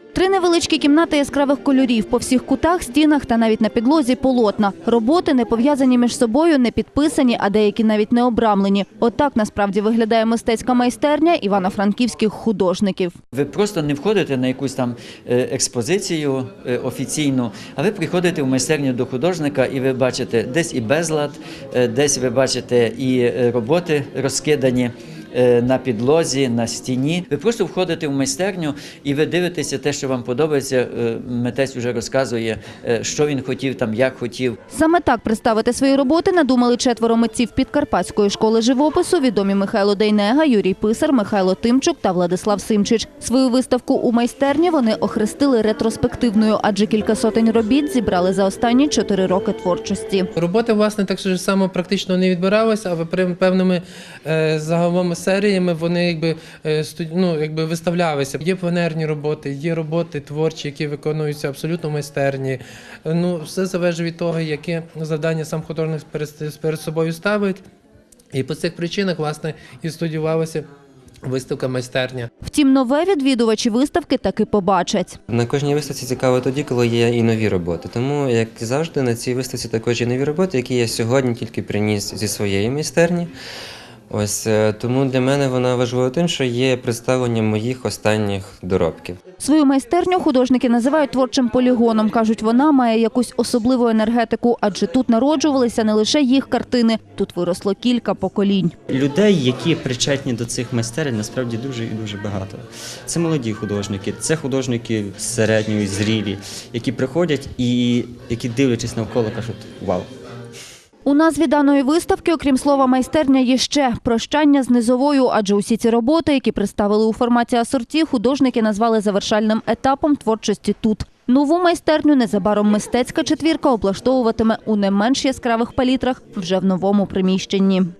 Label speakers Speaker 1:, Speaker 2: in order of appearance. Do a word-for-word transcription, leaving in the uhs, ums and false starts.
Speaker 1: Три невеличкі кімнати яскравих кольорів. По всіх кутах, стінах та навіть на підлозі полотна. Роботи не пов'язані між собою, не підписані, а деякі навіть не обрамлені. Отак насправді виглядає мистецька майстерня івано-франківських художників.
Speaker 2: Ви просто не входите на якусь там експозицію офіційну, а ви приходите в майстерню до художника і ви бачите десь і безлад, десь ви бачите і роботи розкидані на підлозі, на стіні. Ви просто входите в майстерню і ви дивитеся те, що вам подобається. Митець вже розказує, що він хотів, там, як хотів.
Speaker 1: Саме так представити свої роботи надумали четверо митців Підкарпатської школи живопису, відомі Михайло Дейнега, Юрій Писар, Михайло Тимчук та Владислав Симчич. Свою виставку у майстерні вони охрестили ретроспективною, адже кілька сотень робіт зібрали за останні чотири роки творчості.
Speaker 3: Роботи, власне, так само практично не відбиралися, а певними е, загалом серіями вони якби, ну, якби виставлялися. Є пленерні роботи, є роботи творчі, які виконуються абсолютно майстерні. Ну, все залежить від того, яке завдання сам художник перед, перед собою ставить. І по цих причинах, власне, і студіювалася виставка майстерня.
Speaker 1: Втім, нове відвідувачі виставки таки побачать.
Speaker 4: На кожній виставці цікаво тоді, коли є і нові роботи. Тому, як завжди, на цій виставці також є нові роботи, які я сьогодні тільки приніс зі своєї майстерні. Ось тому для мене вона важлива тим, що є представлення моїх останніх доробків.
Speaker 1: Свою майстерню художники називають творчим полігоном. Кажуть, вона має якусь особливу енергетику, адже тут народжувалися не лише їх картини, тут виросло кілька поколінь.
Speaker 5: Людей, які причетні до цих майстерень, насправді дуже і дуже багато. Це молоді художники, це художники середньої, зрілі, які приходять і які, дивлячись навколо, кажуть «Вау».
Speaker 1: У назві даної виставки, окрім слова «майстерня», є ще «прощання з низовою», адже усі ці роботи, які представили у форматі асорті, художники назвали завершальним етапом творчості тут. Нову майстерню незабаром мистецька четвірка облаштовуватиме у не менш яскравих палітрах вже в новому приміщенні.